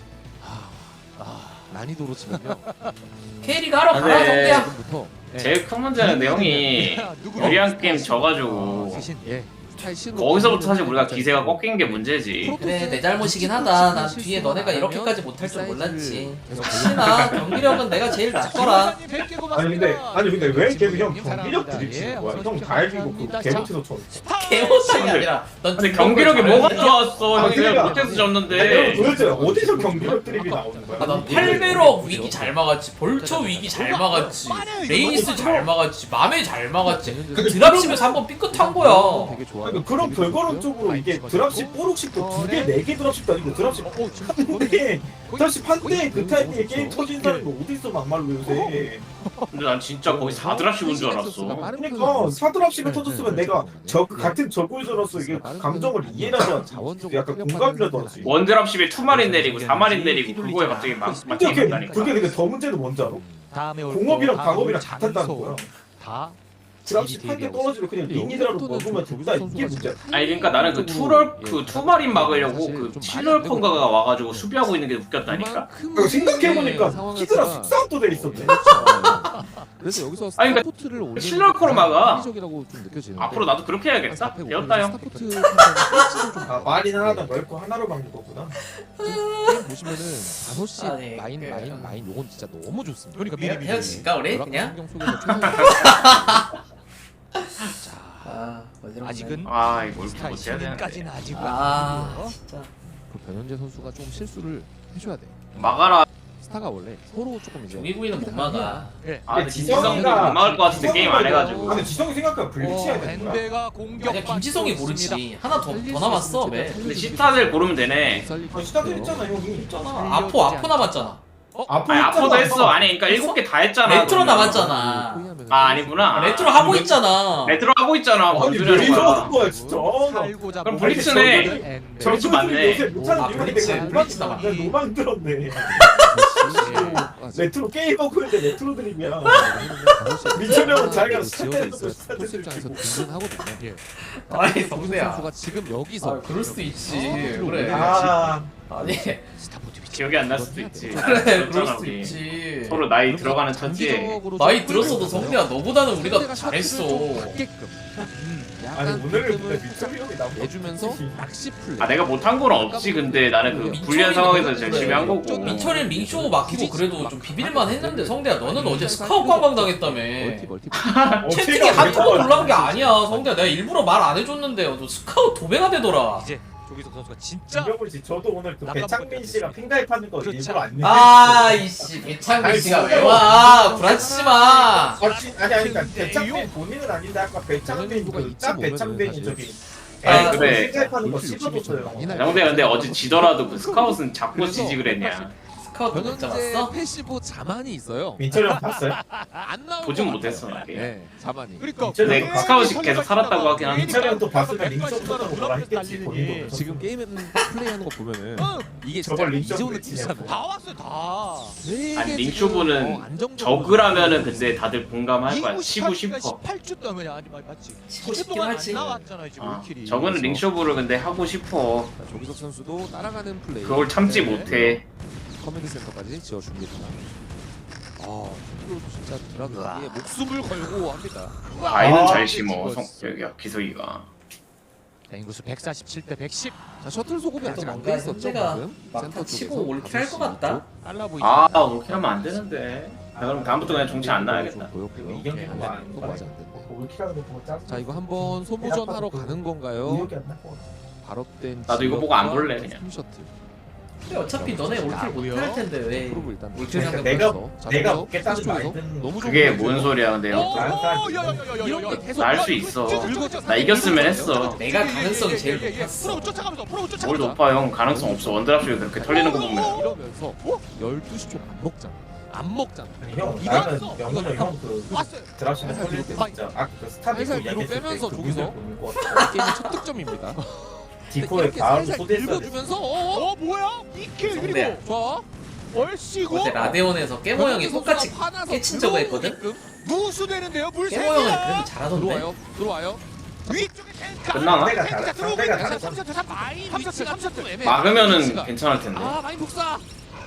Speaker 4: 난이도로 치면요. 음,
Speaker 2: 케이리가 하러 가라
Speaker 1: 네.
Speaker 2: 성대야.
Speaker 4: 지금부터
Speaker 1: 제일 큰 문제는 내용이
Speaker 5: 누구?
Speaker 1: 유리한 게임 져가지고
Speaker 5: 대신
Speaker 4: 예
Speaker 1: 거기서부터 사실 우리가 기세가 꺾인 게 문제지.
Speaker 2: 그래 내 잘못이긴 하다. 난 뒤에 너네가 이렇게까지 못할 줄 몰랐지. 역시나 경기력은 내가 제일 낫더라.
Speaker 3: 아니 근데 아니 근데 왜 걔는 형 경기력 드립치는 거야? 형 다이비고 그 개못해서 쳐.
Speaker 2: 개못상이 아니라 넌
Speaker 1: 근데 경기력이 뭐가 좋았어?
Speaker 3: 아니,
Speaker 1: 형 내가
Speaker 3: 그러니까.
Speaker 1: 못해서
Speaker 3: 아니,
Speaker 1: 졌는데.
Speaker 3: 여러분 도대체 어디서 경기력 드립이 나오는 거야?
Speaker 2: 아, 난 팔베럭 위기 잘 막았지, 벌처 위기 잘 막았지, 레이스 잘 막았지, 맘에 잘 막았지. 그 드랍십에서 한번 삐끗한 거야.
Speaker 4: 되게 좋아요.
Speaker 3: 그러니까 그런 결과론적으로 이게 드랍십 뽀록십도 두 개, 네 개 드랍십도 아니고 드랍십
Speaker 4: 어, 어,
Speaker 3: 한대 드랍십 한대 그 타이밍에 게임 터진 사람이 어딨어 막말로 요새.
Speaker 1: 근데 난 진짜 거의 사 드랍십 온 줄 알았어.
Speaker 3: 그러니까 사 드랍십을 터졌으면 내가 저 같은 저구에서로서 이게 감정을 이해라도 하지. 약간 공감이라도 하지.
Speaker 1: 원 드랍십에 투 마린 내리고 사 마린 내리고 그거에 갑자기 막
Speaker 3: 근데 그게
Speaker 1: 맞춰진다니까.
Speaker 3: 그게 근데 더 문제는 뭔지 알아? 공업이랑 방업이랑 같았다는 거야.
Speaker 5: 다
Speaker 3: 드랍십 한 개 떨어지면 그냥 리니드라로 먹으면 된다 이게 문제야.
Speaker 1: 아니 그러니까 나는 그 투럴 그 투마린 막으려고 그 칠럴펑가가 와가지고 수비하고 있는 게 웃겼다니까.
Speaker 3: 그러니까 생각해보니까 히드라 숙사업도 돼 있었네.
Speaker 4: 그래서 여기서
Speaker 1: 아니, 그러니까
Speaker 4: 스타포트를 올리는
Speaker 1: 실럴커로 막아.
Speaker 4: 합리적이라고 좀 느껴지는데
Speaker 1: 앞으로 나도 그렇게 해야겠다. 배웠다 형.
Speaker 4: 스타포트 상당히 좀
Speaker 3: 아 말이나 하나다 넓고 하나로 막는 거구나.
Speaker 4: 게임 보시면은 다섯 시
Speaker 2: 아니,
Speaker 4: 마인
Speaker 2: 그-
Speaker 4: 마인 마인 요건 진짜 너무 좋습니다.
Speaker 5: 그러니까
Speaker 2: 헤-
Speaker 5: 미리 미리
Speaker 2: 헤어질까 우리 그냥?
Speaker 4: 환경 속에서 최선을
Speaker 2: 아 어지럽네.
Speaker 5: 아직은
Speaker 1: 아 이거 이렇게
Speaker 5: 스타일
Speaker 1: 못해야 되는데.
Speaker 5: 까지는 아직
Speaker 2: 아 진짜.
Speaker 4: 그 변현재 선수가 좀 실수를 해줘야 돼.
Speaker 1: 막아라.
Speaker 4: 스타가 원래 서로 조금 이제
Speaker 2: 종이구이는 못 막아.
Speaker 5: 예.
Speaker 1: 아 근데 지성이도 못 막을 것 같은데 게임 안 해가지고.
Speaker 3: 아, 근데 지성이 생각보다 불치해야 되는 거야.
Speaker 5: 밴드가 공격
Speaker 2: 그냥 김지성이 모르지. 하나 더 더 남았어 왜?
Speaker 1: 근데 시타들 고르면 되네.
Speaker 3: 아 시작을 했잖아 형이.
Speaker 2: 있잖아. 아포 아포 남았잖아.
Speaker 3: 아포
Speaker 1: 아니 아포도 했어. 아니 그러니까 일곱 개 다 했잖아.
Speaker 2: 레트로
Speaker 1: 그러면.
Speaker 2: 남았잖아.
Speaker 1: 아 아니구나.
Speaker 2: 레트로 하고 있잖아.
Speaker 1: 레트로 하고 있잖아. 뭔
Speaker 3: 아니
Speaker 1: 소리
Speaker 3: 왜
Speaker 1: 하는 거야.
Speaker 3: 이러는 거야 진짜.
Speaker 5: 살고자
Speaker 1: 그럼
Speaker 5: 모르는
Speaker 1: 블리츠네.
Speaker 5: 밴드.
Speaker 1: 블리츠 맞네.
Speaker 3: 요새 못하는
Speaker 2: 아,
Speaker 3: 이유가
Speaker 2: 블리츠,
Speaker 3: 내가
Speaker 2: 블리츠
Speaker 3: 노만
Speaker 2: 나왔네.
Speaker 3: 내가 노만 들었네. 레트로 게임하고 있는데 레트로 드림이야. 민철이 형은 자기가 스타트에서
Speaker 4: 지어져 있어요.
Speaker 3: 스타트
Speaker 4: 토스 입장에서
Speaker 3: 드리고.
Speaker 4: 든든하거든요. 예.
Speaker 2: 아니
Speaker 4: 김지성
Speaker 2: 성대야.
Speaker 4: 선수가 지금 여기서
Speaker 2: 아 그럴 수도 있지.
Speaker 4: 어,
Speaker 2: 그래.
Speaker 3: 아
Speaker 2: 아니
Speaker 1: 기억이 안 날 수도 있지.
Speaker 2: 그래 그럴
Speaker 1: 그랬잖아,
Speaker 2: 수도
Speaker 1: 우리.
Speaker 2: 있지.
Speaker 1: 서로 나이 들어가는 천지에.
Speaker 2: 나이 들었어도 성대야 너보다는 우리가 잘했어.
Speaker 3: 아니 오늘은 근데 민철이 형이 나
Speaker 4: 내주면서 낚시 플레이.
Speaker 1: 아 내가 못한 건 없지. 근데 나는 그 불리한 상황에서 열심히 한 거고.
Speaker 2: 민철이는 링쇼 막히고 그래도 좀 비빌만 했는데 성대야 너는 어제 스카웃 관광 당했다며.
Speaker 4: 멀티 멀티.
Speaker 2: 채팅에 한두번 올라온 게 아니야 성대야. 내가 일부러 말 안 해줬는데 너 스카웃 도배가 되더라.
Speaker 5: 이제 조기석 선수가 진짜
Speaker 3: 김병훈 씨 저도 오늘 그 배창민 씨가 핑가입하는 거
Speaker 5: 그렇죠.
Speaker 3: 일부러 안 내.
Speaker 2: 아 이씨 배창민 씨가 왜 와? 불안치지 마.
Speaker 3: 아, 지- 아니 아니 그러니까 배창민 본인은 아닌데 아까 배창민 그짭 배창민이 저기
Speaker 1: 아니, 그래.
Speaker 3: 핑가입하는 거 씹어줬어요.
Speaker 1: 형대 근데 어제 지더라도 그 스카웃은 자꾸 지지 그랬냐.
Speaker 2: 스카웃 못
Speaker 4: 변현재
Speaker 2: 잡았어?
Speaker 4: 패시브 자만이 있어요.
Speaker 3: 민철이 형 봤어요?
Speaker 4: 안 나오고
Speaker 1: 보진 못했어 나.
Speaker 4: 네, 자만이.
Speaker 5: 그러니까
Speaker 3: 근데
Speaker 5: 그게
Speaker 1: 스카웃이 계속 살았다고 하긴 한데.
Speaker 3: 민철이 형또 봤으면 링쇼 쳤다고 뭐라 했겠지 본인도.
Speaker 4: 지금 게임 플레이하는 거 보면은
Speaker 5: 어,
Speaker 4: 이게
Speaker 3: 저걸
Speaker 4: 진짜
Speaker 3: 링쇼
Speaker 4: 이존을 치잖아요.
Speaker 5: 다 왔어요 다.
Speaker 4: 되게
Speaker 1: 아니
Speaker 4: 지금,
Speaker 1: 링쇼부는
Speaker 4: 어, 안정적으로
Speaker 1: 저그라면은 근데 다들 공감할 거야. 치고 싶어.
Speaker 5: 십팔 주 동안 아니 맞- 맞지.
Speaker 2: 치고
Speaker 5: 칠 주
Speaker 2: 싶긴
Speaker 5: 동안
Speaker 2: 하지.
Speaker 5: 안 나왔잖아요 지금
Speaker 1: 아,
Speaker 5: 킬이.
Speaker 1: 저거는 링쇼부를 근데 하고 싶어.
Speaker 4: 자, 조기석 선수도 따라가는 플레이.
Speaker 1: 그걸 참지
Speaker 4: 네.
Speaker 1: 못해.
Speaker 4: 커맨드 센터까지 지어줍니다. 아, 이거 진짜 드라그에 목숨을 걸고 합니다.
Speaker 1: 아이는
Speaker 3: 아,
Speaker 1: 잘 심어. 성 여기야 기석이가.
Speaker 5: 인구수 백사십칠 대 백십.
Speaker 4: 자, 셔틀 소급이 아직 안 돼
Speaker 2: 뭔가
Speaker 4: 있었죠,
Speaker 2: 현재가
Speaker 4: 방금.
Speaker 2: 막타
Speaker 4: 센터
Speaker 2: 치고
Speaker 4: 쪽에서
Speaker 2: 올킬 할 것 같다.
Speaker 5: 빨라 보이지.
Speaker 1: 아 그렇게 하면 안 되는데. 아, 그럼 다음부터 그냥 정치 안 나야겠다.
Speaker 4: 보였고요.
Speaker 3: 이경규
Speaker 4: 네,
Speaker 3: 뭐 안-
Speaker 4: 또 맞아 안 됐네.
Speaker 3: 올킬하는 거 보고 짜.
Speaker 4: 자, 이거 한번 소모전 하러 가는 건가요?
Speaker 3: 의욕이 안 날 것 같아.
Speaker 4: 발업된
Speaker 1: 나도 이거 보고 안 볼래, 그냥.
Speaker 4: 셔틀.
Speaker 2: 근데 어차피 너네 올킬 못할 텐데 왜?
Speaker 4: 프로브 일단
Speaker 2: 올킬
Speaker 3: 그러니까
Speaker 2: 상대
Speaker 3: 내가
Speaker 2: 벌써.
Speaker 4: 자,
Speaker 3: 내가
Speaker 4: 그래서
Speaker 3: 먹겠다는
Speaker 4: 쪽에서
Speaker 3: 말든
Speaker 4: 너무 좋은
Speaker 1: 그게
Speaker 4: 거죠.
Speaker 1: 뭔 소리야 근데 형.
Speaker 5: 오, 야야야야야야.
Speaker 4: 이런 게 계속
Speaker 1: 날 수 있어. 나 이겼으면 했어.
Speaker 2: 내가 가능성이 제일 높았어.
Speaker 5: 프로 쫓아가면서 프로
Speaker 1: 뭘
Speaker 5: 쫓아가면서.
Speaker 1: 높아 형. 가능성 없어. 원드랍식이 그렇게 털리는 거 보면.
Speaker 4: 이러면서 열두 시 쪽 안 먹잖아. 안 먹잖아.
Speaker 3: 아니 형
Speaker 5: 이거
Speaker 3: 나는
Speaker 5: 있어.
Speaker 3: 영훈이 형그
Speaker 5: 왔어요.
Speaker 3: 드랍시는
Speaker 4: 살살
Speaker 3: 털릴 때
Speaker 4: 뒤로
Speaker 3: 진짜 아그 스타디오
Speaker 4: 살살 뒤로
Speaker 3: 이야기했을
Speaker 4: 빼면서
Speaker 3: 때그
Speaker 4: 저기서.
Speaker 3: 분들 보는 거 같아.
Speaker 4: 게임의 첫 득점입니다.
Speaker 3: 디코의
Speaker 4: 이렇게
Speaker 3: 바로
Speaker 4: 살살
Speaker 3: 소대했어야 돼.
Speaker 4: 긁어주면서 어?
Speaker 5: 어 뭐야? 이킬
Speaker 2: 성대야.
Speaker 5: 그리고
Speaker 4: 좋아.
Speaker 5: 얼씨구
Speaker 2: 어제 라데온에서 깨모 형이 똑같이 깨친 적을 했거든?
Speaker 5: 무수되는데요 물세.
Speaker 2: 깨모 형은 그래도 잘하던데?
Speaker 4: 들어와요. 들어와요.
Speaker 5: 위쪽에 탱크.
Speaker 1: 끝나나?
Speaker 3: 상대가 잘해. 상대가 잘해.
Speaker 5: 삼 셔틀 삼 마인 위치가 삼 셔틀 애매.
Speaker 1: 막으면은 괜찮을 텐데.
Speaker 4: 아 마인 독사.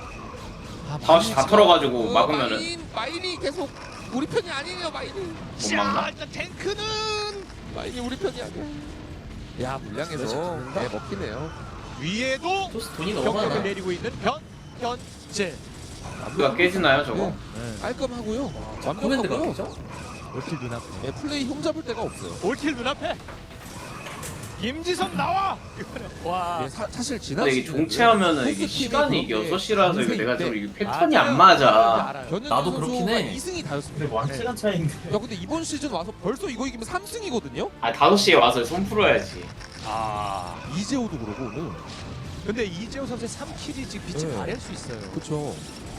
Speaker 4: 아,
Speaker 1: 다 다 털어가지고
Speaker 4: 그
Speaker 1: 막으면은
Speaker 4: 마인, 마인이 계속 우리 편이 아니에요 마인이.
Speaker 1: 못 막나?
Speaker 5: 자 일단 탱크는
Speaker 4: 마인이 우리 편이 아니야. 야 물량에서
Speaker 2: 진짜
Speaker 4: 네, 먹히네요.
Speaker 5: 위에도
Speaker 2: 토스 돈이 너무
Speaker 5: 경력을
Speaker 2: 많아.
Speaker 5: 내리고 있는 변현재.
Speaker 1: 누가 깨지나요 저거?
Speaker 5: 네.
Speaker 4: 깔끔하고요.
Speaker 2: 코맨드가
Speaker 4: 완벽하고요.
Speaker 2: 그죠?
Speaker 5: 올킬 눈앞에.
Speaker 4: 네, 플레이 흠잡을 데가 없어요.
Speaker 5: 올킬 눈앞에. 김지성 나와. 와.
Speaker 4: 예, 사, 사실 지난
Speaker 1: 근데 이게
Speaker 4: 시즌에는
Speaker 1: 종체하면은 이게
Speaker 4: 포스팀이
Speaker 1: 시간이 이게
Speaker 4: 그렇게
Speaker 1: 여섯 시라서 이거
Speaker 4: 인생인데
Speaker 1: 내가 좀 이게 패턴이
Speaker 5: 맞아요.
Speaker 1: 안 맞아.
Speaker 5: 알아요.
Speaker 4: 변현재
Speaker 2: 나도
Speaker 4: 선수가
Speaker 2: 그렇긴 해.
Speaker 4: 이 승이 다였습니다.
Speaker 3: 근데 왕 시간 차이인데.
Speaker 4: 야 근데 이번 시즌 와서 벌써 이거 이기면 삼 승이거든요?
Speaker 1: 아 다섯 시에 와서 손 풀어야지.
Speaker 5: 아.
Speaker 4: 이재호도 그러고 오늘.
Speaker 5: 근데 이재호 선수의 삼 킬이 지금 빛을
Speaker 4: 네.
Speaker 5: 발할 수 있어요.
Speaker 4: 그쵸.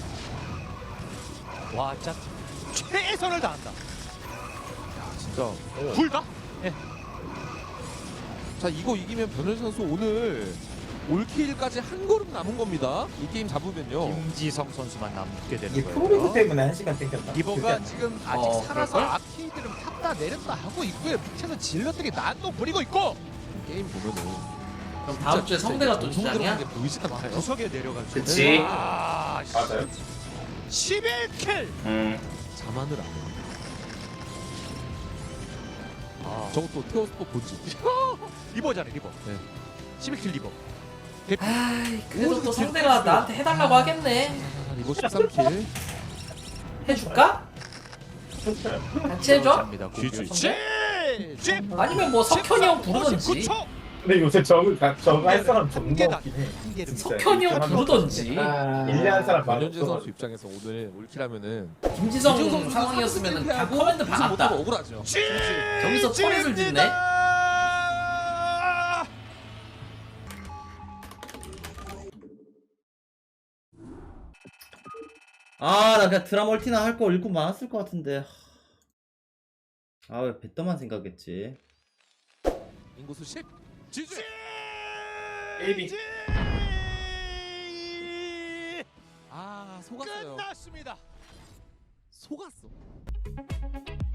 Speaker 5: 와, 진짜 최선을 다한다.
Speaker 4: 진짜.
Speaker 5: 둘 다?
Speaker 4: 자 이거 이기면 변현재 선수 오늘 올킬까지 한 걸음 남은 겁니다. 이 게임 잡으면요.
Speaker 5: 김지성 선수만 남게 되는
Speaker 3: 이게
Speaker 5: 거예요.
Speaker 3: 프로리그 때문에 한 시간 땡겼다.
Speaker 5: 리버가 지금 아직
Speaker 2: 어,
Speaker 5: 살아서
Speaker 2: 그럴걸?
Speaker 5: 아케이드를 탔다 내렸다 하고 있고요. 밑에서 질럿들이 난동 부리고 있고
Speaker 4: 게임 보면은.
Speaker 2: 그럼 다음 주에 성대가 또 주장이야?
Speaker 4: 게 보이지 않아요?
Speaker 5: 구석에 내려가지고.
Speaker 1: 그치.
Speaker 5: 아,
Speaker 3: 맞아요.
Speaker 5: 십일 킬.
Speaker 1: 음.
Speaker 4: 자만을 안 해.
Speaker 5: 아,
Speaker 4: 저것도 테오스포 본지.
Speaker 5: 리버잖아요, 리버.
Speaker 4: 네.
Speaker 5: 십일 킬 리버.
Speaker 2: 아이 그래도 또 성대가 나한테 해달라고 하겠네.
Speaker 4: 아, 이거 십삼 킬.
Speaker 2: 해줄까? 같이 해줘?
Speaker 5: 감사합니다.
Speaker 4: 쥐쥐.
Speaker 5: 쥐! 쥐!
Speaker 2: 아니면 뭐 석현이 형 부르던지.
Speaker 5: 오십구 초.
Speaker 3: 근데 요새 저거 저거 할 사람 존나
Speaker 5: 한계다.
Speaker 3: 없긴 해.
Speaker 5: 한계를
Speaker 3: 진짜.
Speaker 2: 석현이 형 부르던지.
Speaker 3: 일년 한 사람 많아.
Speaker 4: 변현재 선수 입장에서 오늘 올킬하면은
Speaker 2: 김지성 상황이었으면 다 커맨드 박았다.
Speaker 4: 억울하죠.
Speaker 5: 쥐!
Speaker 2: 저기서 터렛을 짓네.
Speaker 6: 아, 나 그냥 드라멀티나 할 거 읽고 많았을 것 같은데. 아, 왜 배떠만 생각했지?
Speaker 4: 인구수 십. 지지.
Speaker 3: 에이비.
Speaker 4: 아 속았어요.
Speaker 5: 끝났습니다.
Speaker 4: 속았어.